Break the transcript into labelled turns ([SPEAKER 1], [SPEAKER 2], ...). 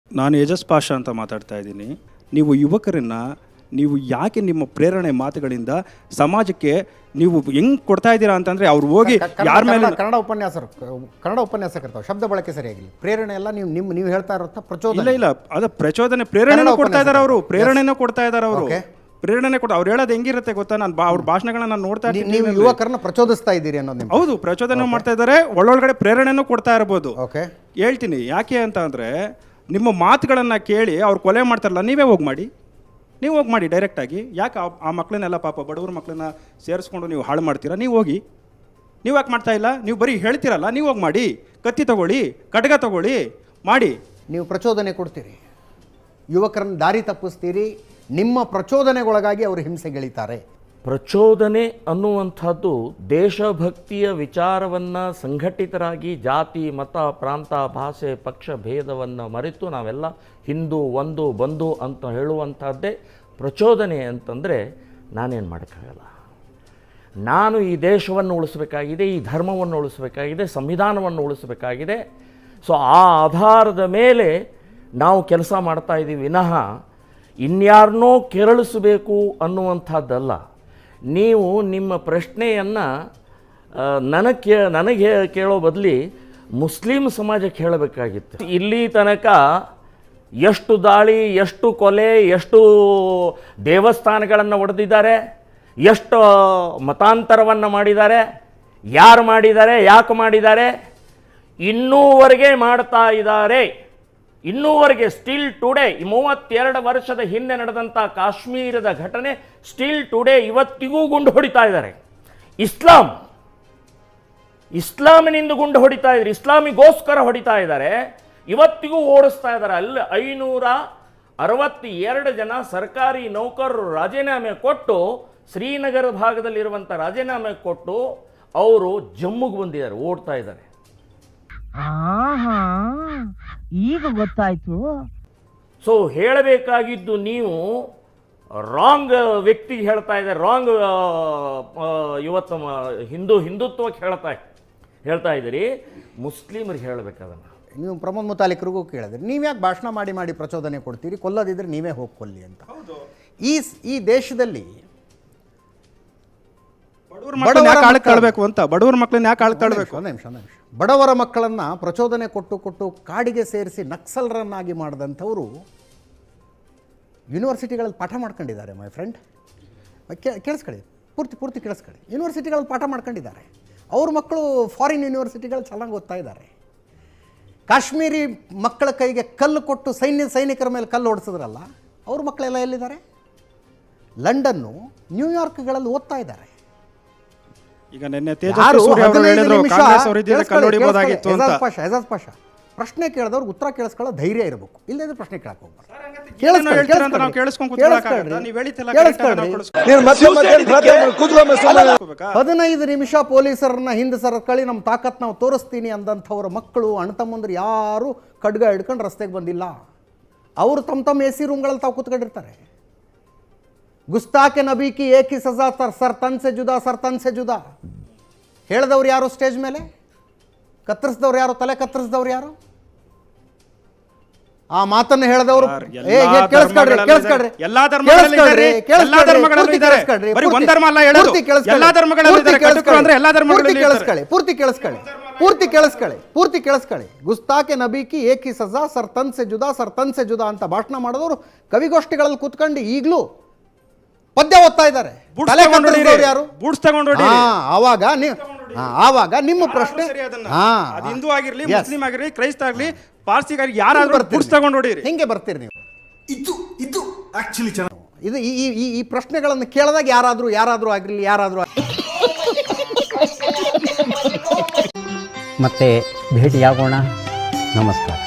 [SPEAKER 1] ನಾನು ಏಜಸ್ ಪಾಷಾ ಅಂತ ಮಾತಾಡ್ತಾ ಇದ್ದೀನಿ. ನೀವು ಯುವಕರನ್ನ ನೀವು ಯಾಕೆ ನಿಮ್ಮ ಪ್ರೇರಣೆ ಮಾತುಗಳಿಂದ ಸಮಾಜಕ್ಕೆ ನೀವು ಹೆಂಗ್ ಕೊಡ್ತಾ ಇದ್ದೀರಾ ಅಂತಂದ್ರೆ ಅವ್ರು ಹೋಗಿ ಯಾರ ಮೇಲೆ
[SPEAKER 2] ಕನ್ನಡ ಉಪನ್ಯಾಸಕರ್ತಾವೆ ಶಬ್ದ ಬಳಕೆ ಸರಿಯಾಗಿಲ್ಲ. ಪ್ರೇರಣೆ ಎಲ್ಲ ನೀವು ಹೇಳ್ತಾ ಇರೋ ಪ್ರಚೋದನೆ
[SPEAKER 1] ಇಲ್ಲ ಅದ ಪ್ರಚೋದನೆ ಪ್ರೇರಣೆನೂ ಕೊಡ್ತಾ ಇದ್ದಾರೆ ಅವರು. ಪ್ರೇರಣೆನೂ ಕೊಡ್ತಾ ಇದ್ದಾರೆ ಅವರು. ಪ್ರೇರಣೆ ಕೊಟ್ಟು ಅವ್ರು ಹೇಳೋದು ಹೆಂಗಿರುತ್ತೆ ಗೊತ್ತಾ? ನಾನು ಅವ್ರ ಭಾಷಣಗಳನ್ನ ನಾನು ನೋಡ್ತಾ ಇದ್ದೀನಿ.
[SPEAKER 2] ನೀವು ಯುವಕರನ್ನ ಪ್ರಚೋದಿಸ್ತಾ ಇದ್ದೀರಿ ಅನ್ನೋದು.
[SPEAKER 1] ಹೌದು, ಪ್ರಚೋದನೆ ಮಾಡ್ತಾ ಇದ್ದಾರೆ. ಒಳ್ಳೊಳಗಡೆ ಪ್ರೇರಣೆನೂ ಕೊಡ್ತಾ ಇರ್ಬೋದು. ಹೇಳ್ತೀನಿ ಯಾಕೆ ಅಂತ ಅಂದ್ರೆ, ನಿಮ್ಮ ಮಾತುಗಳನ್ನ ಕೇಳಿ ಅವ್ರು ಕೊಲೆ ಮಾಡ್ತಾರಲ್ಲ, ನೀವೇ ಹೋಗಿ ಮಾಡಿ, ನೀವು ಹೋಗಿ ಮಾಡಿ ಡೈರೆಕ್ಟಾಗಿ. ಯಾಕೆ ಆ ಮಕ್ಕಳನ್ನೆಲ್ಲ ಪಾಪ ಬಡವ್ರ ಮಕ್ಕಳನ್ನ ಸೇರಿಸ್ಕೊಂಡು ನೀವು ಹಾಳು ಮಾಡ್ತೀರಾ? ನೀವು ಹೋಗಿ, ನೀವು ಯಾಕೆ ಮಾಡ್ತಾ ಇಲ್ಲ? ನೀವು ಬರೀ ಹೇಳ್ತೀರಲ್ಲ, ನೀವು ಹೋಗಿ ಮಾಡಿ. ಕತ್ತಿ ತಗೊಳ್ಳಿ, ಖಡ್ಗ ತಗೊಳ್ಳಿ, ಮಾಡಿ.
[SPEAKER 2] ನೀವು ಪ್ರಚೋದನೆ ಕೊಡ್ತೀರಿ, ಯುವಕರನ್ನ ದಾರಿ ತಪ್ಪಿಸ್ತೀರಿ. ನಿಮ್ಮ ಪ್ರಚೋದನೆಗೊಳಗಾಗಿ ಅವರು ಹಿಂಸೆಗೆಳಿತಾರೆ.
[SPEAKER 3] ಪ್ರಚೋದನೆ ಅನ್ನುವಂಥದ್ದು ದೇಶಭಕ್ತಿಯ ವಿಚಾರವನ್ನು ಸಂಘಟಿತರಾಗಿ ಜಾತಿ ಮತ ಪ್ರಾಂತ ಭಾಷೆ ಪಕ್ಷ ಭೇದವನ್ನು ಮರೆತು ನಾವೆಲ್ಲ ಹಿಂದೂ ಒಂದು ಬಂಧು ಅಂತ ಹೇಳುವಂಥದ್ದೇ ಪ್ರಚೋದನೆ ಅಂತಂದರೆ ನಾನೇನು ಮಾಡೋಕ್ಕಾಗಲ್ಲ. ನಾನು ಈ ದೇಶವನ್ನು ಉಳಿಸಬೇಕಾಗಿದೆ, ಈ ಧರ್ಮವನ್ನು ಉಳಿಸಬೇಕಾಗಿದೆ, ಸಂವಿಧಾನವನ್ನು ಉಳಿಸಬೇಕಾಗಿದೆ. ಸೊ ಆ ಆಧಾರದ ಮೇಲೆ ನಾವು ಕೆಲಸ ಮಾಡ್ತಾ ಇದ್ದೀವಿ ವಿನಃ ಇನ್ಯಾರನ್ನೋ ಕೆರಳಿಸಬೇಕು ಅನ್ನುವಂಥದ್ದಲ್ಲ. ನೀವು ನಿಮ್ಮ ಪ್ರಶ್ನೆಯನ್ನು ನನಗೆ ಕೇಳೋ ಬದಲಿ ಮುಸ್ಲಿಂ ಸಮಾಜಕ್ಕೆ ಹೇಳಬೇಕಾಗಿತ್ತು. ಇಲ್ಲಿ ತನಕ ಎಷ್ಟು ದಾಳಿ, ಎಷ್ಟು ಕೊಲೆ, ಎಷ್ಟು ದೇವಸ್ಥಾನಗಳನ್ನು ಒಡೆದಿದ್ದಾರೆ, ಎಷ್ಟು ಮತಾಂತರವನ್ನು ಮಾಡಿದ್ದಾರೆ, ಯಾರು ಮಾಡಿದ್ದಾರೆ, ಯಾಕೆ ಮಾಡಿದ್ದಾರೆ, ಇನ್ನೂವರೆಗೆ ಮಾಡ್ತಾ ಇದ್ದಾರೆ. ಇನ್ನೂವರೆಗೆ ಸ್ಟಿಲ್ ಟುಡೇ 32 ವರ್ಷದ ಹಿಂದೆ ನಡೆದಂಥ ಕಾಶ್ಮೀರದ ಘಟನೆ ಸ್ಟಿಲ್ ಟುಡೇ ಇವತ್ತಿಗೂ ಗುಂಡು ಹೊಡಿತಾ ಇದ್ದಾರೆ. ಇಸ್ಲಾಮಿನಿಂದ ಗುಂಡು ಹೊಡಿತಾ ಇದ್ದಾರೆ, ಇಸ್ಲಾಮಿಗೋಸ್ಕರ ಹೊಡಿತಾ ಇದ್ದಾರೆ, ಇವತ್ತಿಗೂ ಓಡಿಸ್ತಾ ಇದ್ದಾರೆ. ಅಲ್ಲಿ 562 ಜನ ಸರ್ಕಾರಿ ನೌಕರರು ರಾಜೀನಾಮೆ ಕೊಟ್ಟು, ಶ್ರೀನಗರ ಭಾಗದಲ್ಲಿರುವಂಥ ರಾಜೀನಾಮೆ ಕೊಟ್ಟು ಅವರು ಜಮ್ಮುಗೆ ಬಂದಿದ್ದಾರೆ, ಓಡ್ತಾ ಇದ್ದಾರೆ.
[SPEAKER 4] ಈಗ ಗೊತ್ತಾಯ್ತು.
[SPEAKER 3] ಸೊ ಹೇಳಬೇಕಾಗಿದ್ದು ನೀವು ರಾಂಗ್ ವ್ಯಕ್ತಿಗೆ ಹೇಳ್ತಾ ಇದ್ದಾರೆ, ರಾಂಗ್ ಇವತ್ತು ಹಿಂದುತ್ವಕ್ಕೆ ಹೇಳ್ತಾ ಇದ್ದೀರಿ. ಮುಸ್ಲಿಮರಿಗೆ ಹೇಳಬೇಕಾದನ್ನು
[SPEAKER 2] ನೀವು ಪ್ರಮೋದ್ ಮುತಾಲಿಕರಿಗೂ ಕೇಳಿದ್ರಿ, ನೀವು ಯಾಕೆ ಭಾಷಣ ಮಾಡಿ ಪ್ರಚೋದನೆ ಕೊಡ್ತೀರಿ? ಕೊಲ್ಲದಿದ್ರೆ ನೀವೇ ಹೋಗಿ ಕೊಲ್ಲಿ ಅಂತ. ಈ ದೇಶದಲ್ಲಿ
[SPEAKER 1] ಬಡವರ ಮಕ್ಕಳನ್ನ ಯಾಕೆ ಆಳ್ಕೊಳ್ಬೇಕು?
[SPEAKER 2] ಒಂದು ನಿಮಿಷ ಬಡವರ ಮಕ್ಕಳನ್ನು ಪ್ರಚೋದನೆ ಕೊಟ್ಟು ಕಾಡಿಗೆ ಸೇರಿಸಿ ನಕ್ಸಲರನ್ನಾಗಿ ಮಾಡಿದಂಥವರು ಯೂನಿವರ್ಸಿಟಿಗಳಲ್ಲಿ ಪಾಠ ಮಾಡ್ಕೊಂಡಿದ್ದಾರೆ. ಮೈ ಫ್ರೆಂಡ್, ಕೇಳಿಸ್ಕೊಳ್ಳಿ, ಪೂರ್ತಿ ಕೇಳಿಸ್ಕೊಳ್ಳಿ. ಯೂನಿವರ್ಸಿಟಿಗಳಲ್ಲಿ ಪಾಠ ಮಾಡ್ಕೊಂಡಿದ್ದಾರೆ. ಅವ್ರ ಮಕ್ಕಳು ಫಾರಿನ್ ಯೂನಿವರ್ಸಿಟಿಗಳು ಚೆನ್ನಾಗಿ ಓದ್ತಾ ಇದ್ದಾರೆ. ಕಾಶ್ಮೀರಿ ಮಕ್ಕಳ ಕೈಗೆ ಕಲ್ಲು ಕೊಟ್ಟು ಸೈನಿಕರ ಮೇಲೆ ಕಲ್ಲು ಹೊಡೆಸಿದ್ರಲ್ಲ, ಅವ್ರ ಮಕ್ಕಳೆಲ್ಲ ಎಲ್ಲಿದ್ದಾರೆ? ಲಂಡನ್ನು, ನ್ಯೂಯಾರ್ಕ್ಗಳಲ್ಲಿ ಓದ್ತಾ ಇದ್ದಾರೆ.
[SPEAKER 1] ಈಗ ನಿನ್ನೆ ತೇಜಸ್ವಿ ಸೂರ್ಯ ಅವರು ಹೇಳಿದ್ರು ಕಾಂಗ್ರೆಸ್ ಅವರು ಇದ್ದಿದ್ರೆ ಕಲ್ಲೊಡಿಬೋದಾಗಿತ್ತು ಅಂತ.
[SPEAKER 2] ಎಜಾಜ್ ಪಾಷಾ ಪ್ರಶ್ನೆ ಕೇಳಿದವ್ರಿಗೆ ಉತ್ತರ ಕೇಳಿಸ್ಕೊಳ್ಳೋ ಧೈರ್ಯ ಇರಬೇಕು, ಇಲ್ಲದ್ರೆ ಪ್ರಶ್ನೆ ಕೇಳಕ್ಕೆ ಹೋಗ್ಬಾರ್ದು. ಹದಿನೈದು ನಿಮಿಷ ಪೊಲೀಸರನ್ನ ಹಿಂದೆ ಸರಕಳಿ ನಮ್ಮ ತಾಕತ್ ನಾವು ತೋರಿಸ್ತೀನಿ ಅಂದಂಥವ್ರ ಮಕ್ಕಳು ಅಣ್ತಮ್ಮಂದ್ರು ಯಾರು ಖಡ್ಗ ಹಿಡ್ಕೊಂಡು ರಸ್ತೆಗೆ ಬಂದಿಲ್ಲ. ಅವರು ತಮ್ಮ ಎ ಸಿ ರೂಮ್ಗಳಲ್ಲಿ ತಾವು ಕೂತ್ಕೊಂಡಿರ್ತಾರೆ. ಗುಸ್ತಾಕೆ ನಬಿ ಕಿ ಏಕಿ ಸಜಾ ಸರ್ ತನ್ ಸೆ ಜುದಾ ಹೇಳಿದವ್ರು ಯಾರು? ಸ್ಟೇಜ್ ಮೇಲೆ ಕತ್ತರಿಸಿದವ್ರು ಯಾರು? ತಲೆ ಕತ್ತರಿಸಿದವ್ರು ಯಾರು? ಆ ಮಾತನ್ನು ಹೇಳಿದವರು ಪೂರ್ತಿ ಕೇಳಿಸ್ಕೊಳ್ಳಿ. ಗುಸ್ತಾಕೆ ನಬಿ ಕಿ ಏಕಿ ಸಜಾ ಸರ್ ತನ್ ಸೆ ಜುದಾ ಅಂತ ಭಾಷಣ ಮಾಡಿದವರು ಕವಿಗೋಷ್ಠಿಗಳಲ್ಲಿ ಕೂತ್ಕೊಂಡು ಈಗಲೂ ಪದ್ಯ ಓದ್ತಾ ಇದ್ದಾರೆ. ಯಾರು? ಆವಾಗ ನಿಮ್ಮ ಪ್ರಶ್ನೆ,
[SPEAKER 1] ಹಿಂದೂ ಆಗಿರ್ಲಿ, ಮುಸ್ಲಿಂ ಆಗಿರ್ಲಿ, ಕ್ರೈಸ್ತ ಆಗ್ಲಿ, ಪಾರ್ಸಿಗಾರಿ ಯಾರಾದ್ರೂ ತಗೊಂಡು ಹೊಡೀರಿ,
[SPEAKER 2] ಹಿಂಗೆ ಬರ್ತೀರಿ ನೀವು. ಇದು ಆಕ್ಚುಲಿ ಇದು ಈ ಪ್ರಶ್ನೆಗಳನ್ನು ಕೇಳಿದಾಗ ಯಾರಾದ್ರೂ ಆಗಿರ್ಲಿ,
[SPEAKER 5] ಮತ್ತೆ ಭೇಟಿಯಾಗೋಣ. ನಮಸ್ಕಾರ.